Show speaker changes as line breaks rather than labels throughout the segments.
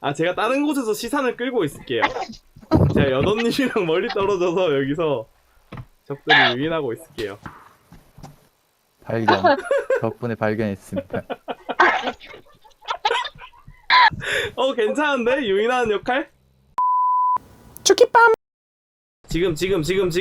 아, 제가 다른 곳에서 시선을 끌고 있을게요. 제가 여덟님이랑 멀리 떨어져서 여기서 적들을 유인하고 있을게요.
발견. 덕분에 발견했습니다.
괜찮은데? 유인하는 역할?
쭈끼빰.
지금.
네,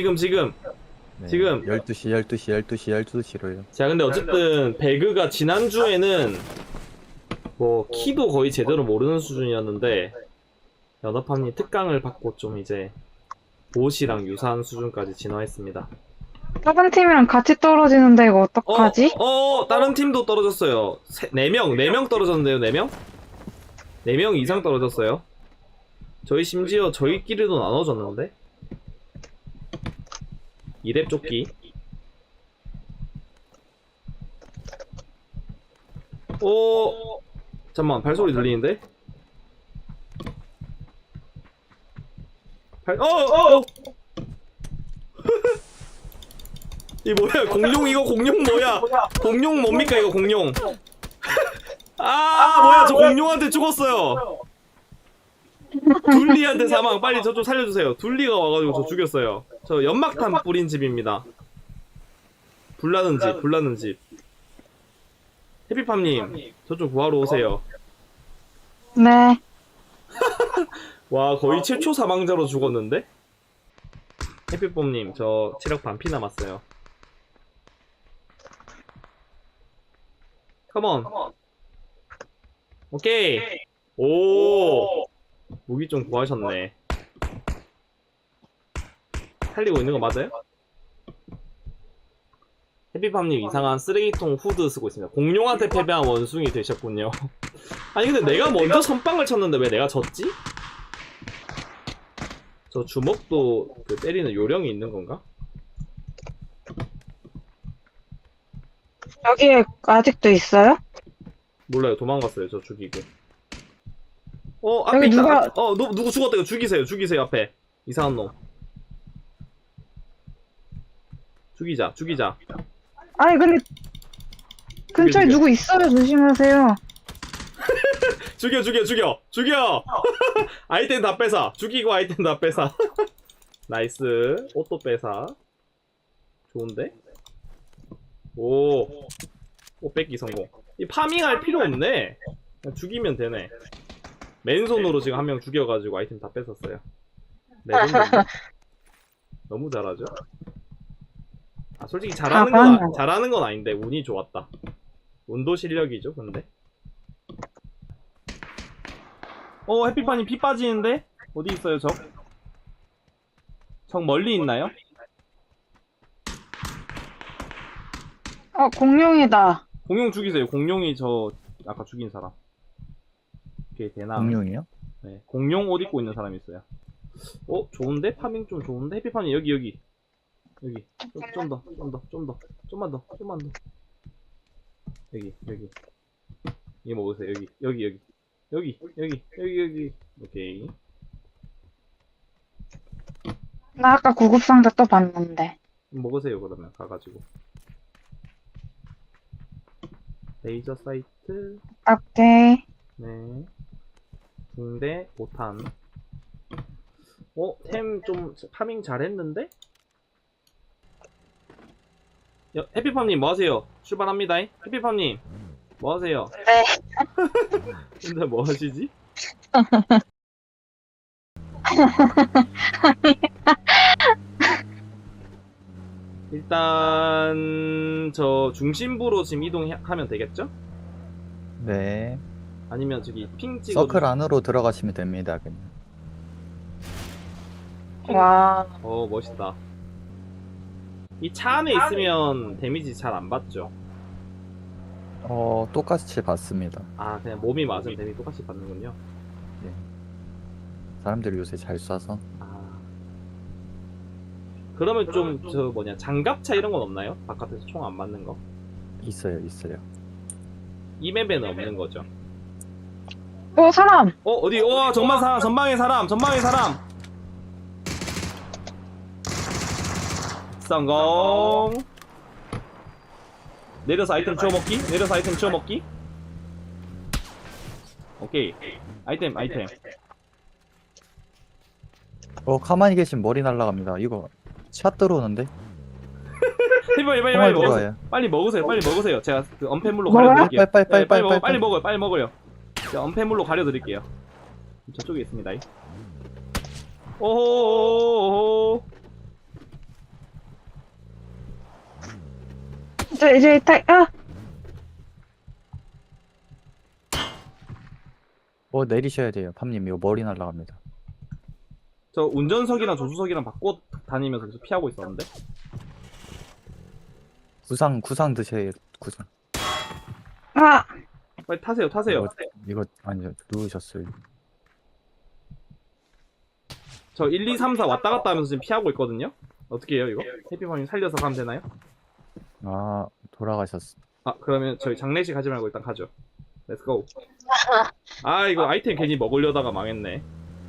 지금.
12시로요.
자, 근데 어쨌든 배그가 지난주에는 뭐 키도 거의 제대로 모르는 수준이었는데 연합함이 특강을 받고 좀 이제 보시랑 유사한 수준까지 진화했습니다.
다른 팀이랑 같이 떨어지는데 이거 어떡하지?
다른 팀도 떨어졌어요. 4명 떨어졌는데요, 4명? 4명 이상 떨어졌어요. 저희 심지어 저희끼리도 나눠졌는데? 2렙 조끼. 잠깐만, 발소리 들리는데? 이 뭐야, 공룡 이거 공룡 뭐야? 공룡 뭡니까 이거 공룡? 뭐야, 저 공룡한테 죽었어요. 둘리한테 사망. 빨리 저 좀 살려주세요. 둘리가 와가지고 저 죽였어요. 저 연막탄 뿌린 집입니다. 불나는 집. 해피팜님, 저 좀 구하러 오세요.
네.
와, 거의 최초 사망자로 죽었는데? 해피pom님, 저 체력 반피 남았어요. 컴온. 오케이. 오, 무기 좀 구하셨네. 살리고 있는 거 맞아요? 해피팜님, 이상한 쓰레기통 후드 쓰고 있습니다. 공룡한테 패배한 원숭이 되셨군요. 아니 근데 내가 먼저 선빵을 쳤는데 왜 내가 졌지? 저 주먹도 그 때리는 요령이 있는 건가?
여기에 아직도 있어요?
몰라요. 도망갔어요. 저 죽이고. 앞에
여기
있다.
누가-
누구 죽었다. 이거 죽이세요. 앞에. 이상한 놈. 죽이자.
아니 근데 근처에
죽여.
누구 있어요. 조심하세요.
죽여! 아이템 다 뺏어. 죽이고 아이템 다 뺏어. 나이스. 옷도 뺏어. 좋은데? 옷 뺏기 성공. 이 파밍할 필요 없네. 그냥 죽이면 되네. 맨손으로 지금 한 명 죽여가지고 아이템 다 뺏었어요. 레전드인데? 너무 잘하죠? 솔직히 잘하는 건 아닌데 운이 좋았다. 운도 실력이죠, 근데. 해피판이 피 빠지는데? 어디 있어요, 적? 적 멀리 있나요?
공룡이다.
공룡 죽이세요. 공룡이 저 아까 죽인 사람. 오케이, 대나.
공룡이요?
네, 공룡 옷 입고 있는 사람이 있어요. 좋은데? 파밍 좀 좋은데? 해피판이 여기. 좀만 더. 여기. 이거 먹으세요. 여기. 오케이.
나 아까 구급상자 또 봤는데.
먹으세요, 그러면. 가가지고. 레이저 사이트.
오케이.
네. 붕대, 5탄. 템 좀 파밍 잘했는데? 해피팜님 뭐하세요? 출발합니다. 해피팜님 뭐하세요?
네.
근데 뭐하시지? 일단 저 중심부로 지금 이동하면 되겠죠?
네.
아니면 저기 핑 찍어.
서클 안으로 들어가시면 됩니다. 그냥.
와.
멋있다. 이 차 안에 있으면 데미지 잘 안 받죠?
똑같이 받습니다.
그냥 몸이 맞으면 데미지 똑같이 받는군요.
사람들이 요새 잘 쏴서.
그러면 좀 장갑차 이런 건 없나요? 바깥에서 총 안 맞는 거?
있어요.
이 맵에는 없는 거죠?
사람.
어디? 전방에 사람. 성공. 내려서 아이템 치워먹기. 오케이. 아이템.
가만히 계시면 머리 날라갑니다. 이거 샷 들어오는데?
빨리
총알
먹으세요.
들어와요.
빨리 먹으세요. 제가 그 언패물로
먹어요?
가려드릴게요.
빨리
먹어요. 빨리 먹어요. 제가 언패물로 가려드릴게요. 저쪽에 있습니다. 오호호호호.
이제
내리셔야 돼요. 팜님 이거 머리 날라갑니다.
저 운전석이랑 조수석이랑 바꿔 다니면서 계속 피하고 있었는데.
구상 드셔야 구상.
빨리 타세요.
이거 아니요 누우셨어요.
저 1, 2, 3, 4 왔다 갔다 하면서 지금 피하고 있거든요. 어떻게 해요 이거? 해피밤님 살려서 가면 되나요?
아 돌아가셨어.
그러면 저희 장례식 하지 말고 일단 가죠. 렛츠고. 이거 아이템 괜히 먹으려다가 망했네.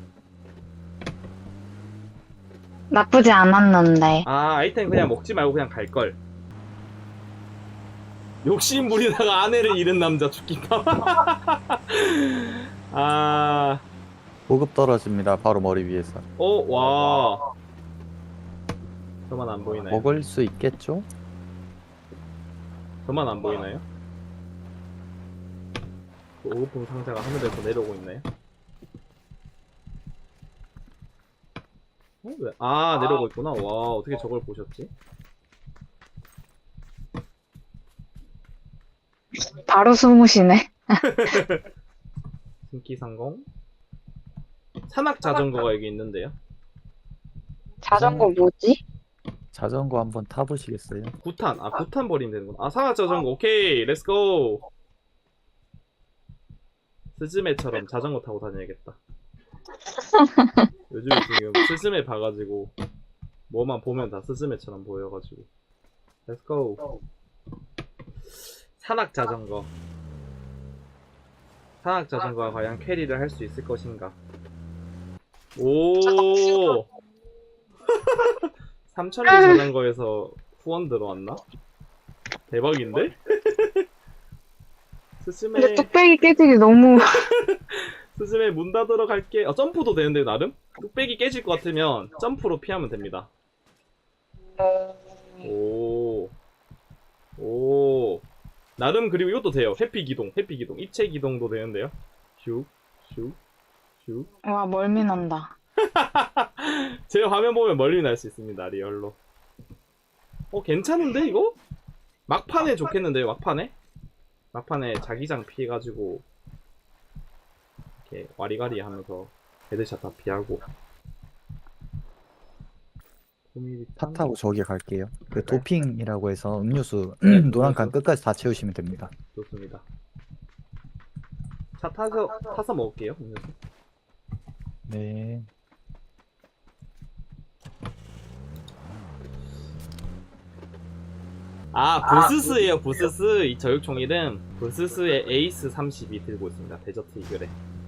나쁘지 않았는데.
아이템 그냥 먹지 말고 그냥 갈걸. 욕심 부리다가 아내를 잃은 남자 죽기밥.
보급 떨어집니다. 바로 머리 위에서.
와. 저만 안 보이나요?
먹을 수 있겠죠?
저만 안 보이나요? 그 오급품 상자가 하늘에서 내려오고 있나요? 왜? 내려오고 있구나. 와, 어떻게 저걸 보셨지?
바로 숨으시네.
신기상공. 산악 자전거가 여기 있는데요.
자전거 뭐지?
자전거 한번 타보시겠어요?
구탄 버리면 되는구나. 산악 자전거. 오케이, 렛츠고. 스즈메처럼 자전거 타고 다녀야겠다. 요즘에 지금 스즈메 봐가지고 뭐만 보면 다 스즈메처럼 보여가지고. 렛츠고. 산악 자전거가 과연 캐리를 할 수 있을 것인가? 오. 3000리 자전거에서 후원 들어왔나? 대박인데? 스즈메.
근데 뚝배기 깨지기 너무.
스즈메 문 닫으러 갈게. 점프도 되는데 나름? 뚝배기 깨질 것 같으면 점프로 피하면 됩니다. 오. 나름. 그리고 이것도 돼요. 회피 기동. 입체 기동도 되는데요. 슉.
와, 멀미 난다.
제 화면 보면 멀리 날 수 있습니다. 리얼로. 괜찮은데 이거? 막판에 좋겠는데요. 막판에 자기장 피해가지고 이렇게 와리가리 하면서 헤드샷 다 피하고.
차 타고 저기 갈게요. 그
네.
도핑이라고 해서 음료수
네,
노란 칸
음료수.
끝까지 다 채우시면 됩니다.
좋습니다. 차 타서 먹을게요. 음료수.
네.
부스스예요. 부스스. 이 저격총 이름 부스스의 에이스 32 들고 있습니다. 데저트 이글에.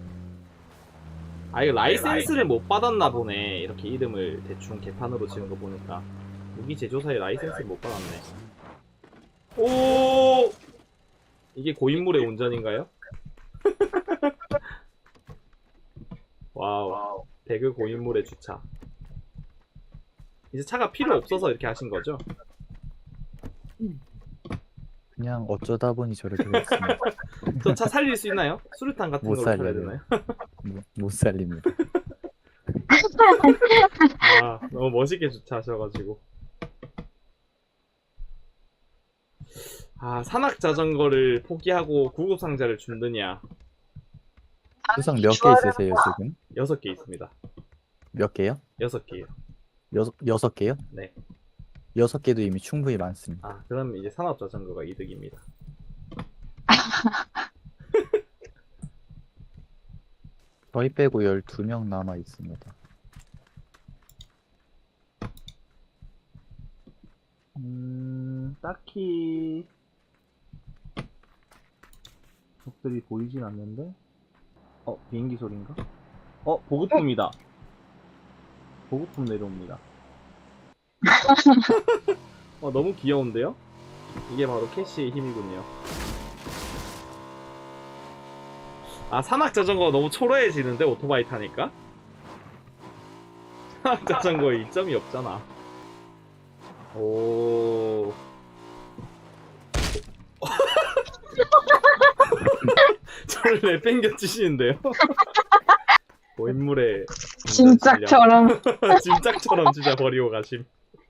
이거 라이센스를 못 받았나 보네. 이렇게 이름을 대충 개판으로 지은 거 보니까 무기 제조사에 라이센스를 못 받았네. 오, 이게 고인물의 운전인가요? 와우. 배그 고인물의 주차. 이제 차가 필요 없어서 이렇게 하신 거죠?
그냥 어쩌다 보니 저렇게 됐습니다.
저 차 살릴 수 있나요? 수류탄 같은
못
걸로 살려야
살려요.
되나요?
못 살립니다.
너무 멋있게 주차하셔가지고. 산악 자전거를 포기하고 구급 상자를 준드냐.
구상 몇 개 있으세요 지금?
6개 있습니다.
몇 개요?
6개요.
6개요?
네.
6개도 이미 충분히 많습니다.
그럼 이제 산업 자전거가 이득입니다.
저희 빼고 12명 남아 있습니다.
딱히 적들이 보이진 않는데. 비행기 소린가? 보급품이다. 보급품 내려옵니다. 너무 귀여운데요? 이게 바로 캐시의 힘이군요. 아, 산악 자전거 너무 초라해지는데 오토바이 타니까? 산악 자전거에 이점이 없잖아. 오. 저를 내팽겨치시는데요? 고인물의
짐짝처럼.
짐짝처럼 진짜 버리고 가심.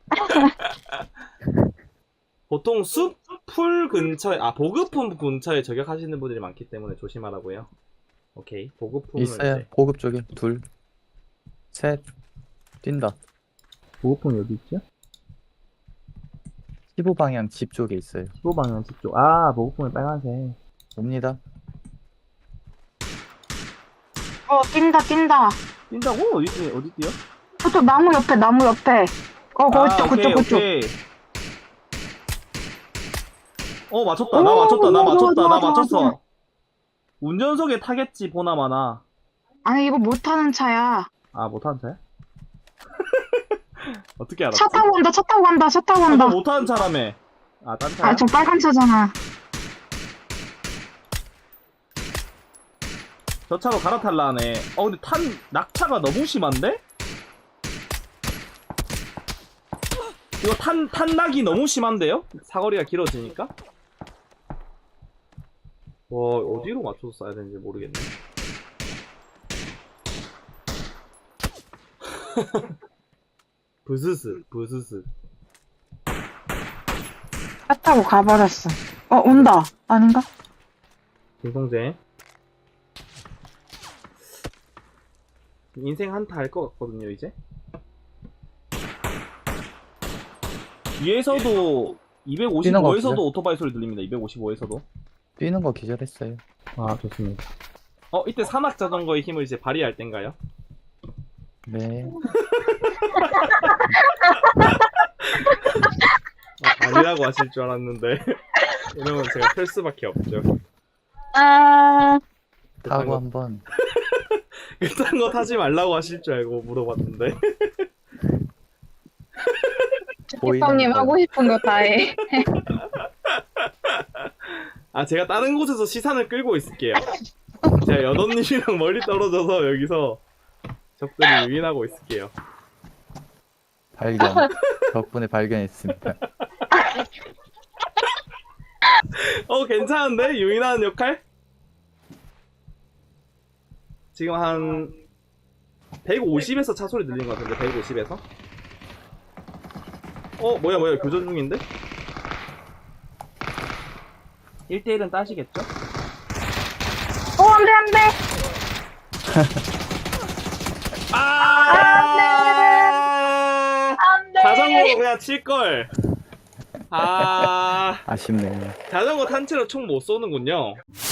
보통 숲, 풀 근처에, 보급품 근처에 저격하시는 분들이 많기 때문에 조심하라고요. 오케이, 보급품을
있어요.
이제
보급 쪽에 둘, 셋, 뛴다.
보급품이 어디 있죠?
15방향 집 쪽에 있어요.
15방향 집 쪽. 아, 보급품이 빨간색.
옵니다.
뛴다.
뛴다고? 어디 뛰어?
저쪽 나무 옆에. 그쪽.
오케이. 맞췄다. 나 맞췄어.
좋아.
운전석에 타겠지, 보나마나.
아니, 이거 못 타는 차야.
아, 못하는 차야?
어떻게 알았지?
차 타고 간다.
너 못하는 차라며. 아, 딴 차야?
아, 저 빨간 차잖아.
저 차로 갈아탈라 하네. 근데 낙차가 너무 심한데? 이거 탄낙이 너무 심한데요?
사거리가 길어지니까? 와, 어디로 맞춰서 쏴야 되는지 모르겠네. 부스스.
차 타고 가버렸어. 온다. 아닌가?
김성재. 인생 한타 할 것 같거든요, 이제.
위에서도
뛰는 거
255에서도
없어요?
오토바이 소리 들립니다. 255에서도.
뛰는 거 기절했어요.
아, 좋습니다.
이때 산악 자전거의 힘을 이제 발휘할 땐가요?
네.
아니라고 하실 줄 알았는데. 이러면 제가 펼 수밖에 없죠.
타고 한번
그딴 거 타지 말라고 하실 줄 알고 물어봤는데.
님
거.
하고 싶은 거 다 해.
제가 다른 곳에서 시선을 끌고 있을게요. 제가 여덟님이랑 멀리 떨어져서 여기서 적들을 유인하고 있을게요.
발견. 덕분에 발견했습니다.
괜찮은데? 유인하는 역할? 지금 한 150에서 차 소리 들린 것 같은데, 150에서? 뭐야, 교전 중인데?
1대1은 따시겠죠?
안 돼. 안 돼.
자전거로 그냥 칠걸.
아쉽네요.
자전거 탄 채로 총 못 쏘는군요.